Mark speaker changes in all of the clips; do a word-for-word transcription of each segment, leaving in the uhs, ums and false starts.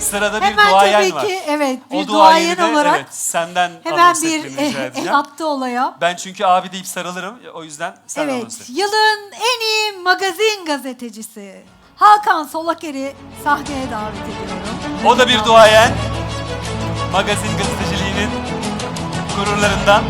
Speaker 1: sırada bir
Speaker 2: Hemen
Speaker 1: duayen
Speaker 2: tabii
Speaker 1: var.
Speaker 2: ki evet bir
Speaker 1: O
Speaker 2: duayen
Speaker 1: duayeni de
Speaker 2: olarak
Speaker 1: evet, senden
Speaker 2: hemen
Speaker 1: anons
Speaker 2: bir
Speaker 1: etmeni rica
Speaker 2: eh,
Speaker 1: edeceğim.
Speaker 2: el attı olaya.
Speaker 1: Ben çünkü abi deyip sarılırım. O yüzden sen anons
Speaker 2: Evet,
Speaker 1: et.
Speaker 2: yılın en iyi magazin gazetecisi Hakan Solaker'i sahneye davet ediyorum.
Speaker 1: O da bir duayen. Magazin gazeteciliğinin gururlarından.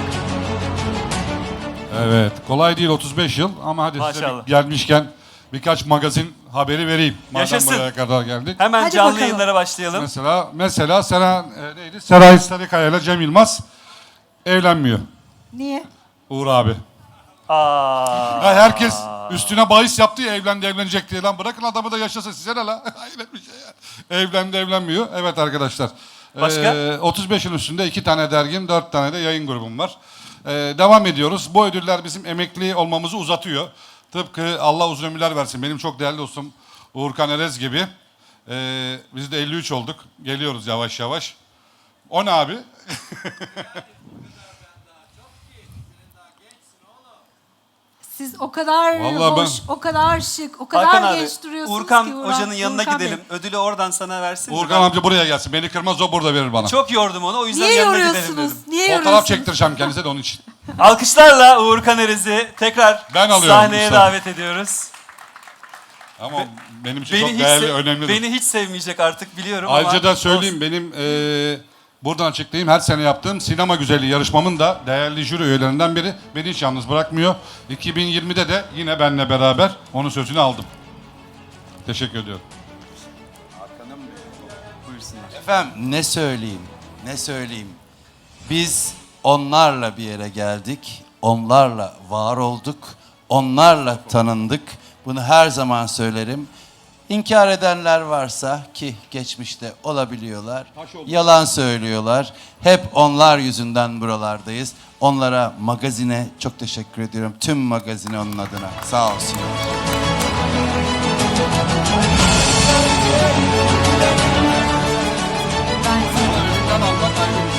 Speaker 3: Evet, kolay değil otuz beş yıl ama hadi size
Speaker 1: Maşallah.
Speaker 3: bir gelmişken birkaç magazin haberi vereyim. Madem
Speaker 1: Yaşasın.
Speaker 3: buraya kadar geldik.
Speaker 1: Hemen
Speaker 2: Hadi
Speaker 1: canlı
Speaker 2: bakalım.
Speaker 1: yayınlara başlayalım.
Speaker 3: Mesela mesela Sera, e, neydi? Seray Sarıkaya ile Cem Yılmaz evlenmiyor.
Speaker 2: Niye?
Speaker 3: Uğur abi.
Speaker 1: Aa.
Speaker 3: Ya herkes üstüne bahis yaptı ya evlendi evlenecek diye lan bırakın adamı da yaşasın size ne la? Hayret bir şey ya. Evlendi evlenmiyor. Evet arkadaşlar.
Speaker 1: Başka?
Speaker 3: Ee, otuz beş yıl üstünde iki tane dergim, dört tane de yayın grubum var. Ee, devam ediyoruz. Bu ödüller bizim emekli olmamızı uzatıyor. Tıpkı Allah uzun ömürler versin. Benim çok değerli dostum Uğurkan Erez gibi. Ee, biz de elli üç olduk. Geliyoruz yavaş yavaş. O ne abi?
Speaker 2: Siz o kadar
Speaker 3: Vallahi
Speaker 2: hoş,
Speaker 3: ben-
Speaker 2: o kadar şık, o kadar
Speaker 1: Hakan abi,
Speaker 2: genç duruyorsunuz
Speaker 1: Uğurkan
Speaker 2: ki.
Speaker 1: Hoca'nın yanına
Speaker 2: Uğurkan Bey.
Speaker 1: gidelim. Ödülü oradan sana versin. de
Speaker 3: Uğurkan
Speaker 1: ben
Speaker 3: amca buraya gelsin. Beni kırmaz o burada verir bana.
Speaker 1: Çok yordum onu. O yüzden
Speaker 2: Niye
Speaker 1: yanına gidelim
Speaker 2: yoruyorsunuz?
Speaker 1: dedim.
Speaker 2: Niye
Speaker 3: Fotoğraf
Speaker 2: yoruyorsunuz?
Speaker 3: çektireceğim kendisine de onun için.
Speaker 1: Alkışlarla Uğurkan Erez'i tekrar
Speaker 3: Ben alıyorum
Speaker 1: sahneye
Speaker 3: Mustafa.
Speaker 1: davet ediyoruz.
Speaker 3: Ama benim için
Speaker 1: Beni
Speaker 3: çok
Speaker 1: hiç,
Speaker 3: değerli,
Speaker 1: se-
Speaker 3: önemli.
Speaker 1: beni hiç sevmeyecek artık biliyorum
Speaker 3: Ayrıca
Speaker 1: ama
Speaker 3: da söyleyeyim benim eee, buradan açıklayayım her sene yaptığım sinema güzelliği yarışmamın da değerli jüri üyelerinden biri beni hiç yalnız bırakmıyor. iki bin yirmide de yine benle beraber onun sözünü aldım. Teşekkür ediyorum.
Speaker 1: buyursunlar.
Speaker 4: Efendim ne söyleyeyim, ne söyleyeyim. Biz onlarla bir yere geldik, onlarla var olduk, onlarla tanındık. Bunu her zaman söylerim. İnkar edenler varsa ki geçmişte olabiliyorlar, yalan söylüyorlar. Hep onlar yüzünden buralardayız. Onlara, magazine çok teşekkür ediyorum. Tüm magazine onun adına. Sağ olsun.
Speaker 2: Ben size-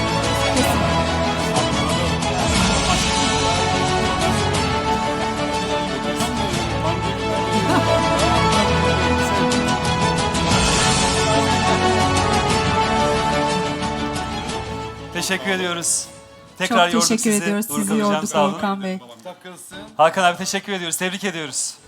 Speaker 1: Teşekkür ediyoruz. Tekrar
Speaker 2: Çok
Speaker 1: yorduk
Speaker 2: teşekkür
Speaker 1: sizi.
Speaker 2: ediyoruz.
Speaker 1: Uğurkan
Speaker 2: Sizi
Speaker 1: Hocam,
Speaker 2: yorduk
Speaker 1: sağ olun.
Speaker 2: Volkan Bey.
Speaker 1: Hakan abi teşekkür ediyoruz. Tebrik ediyoruz.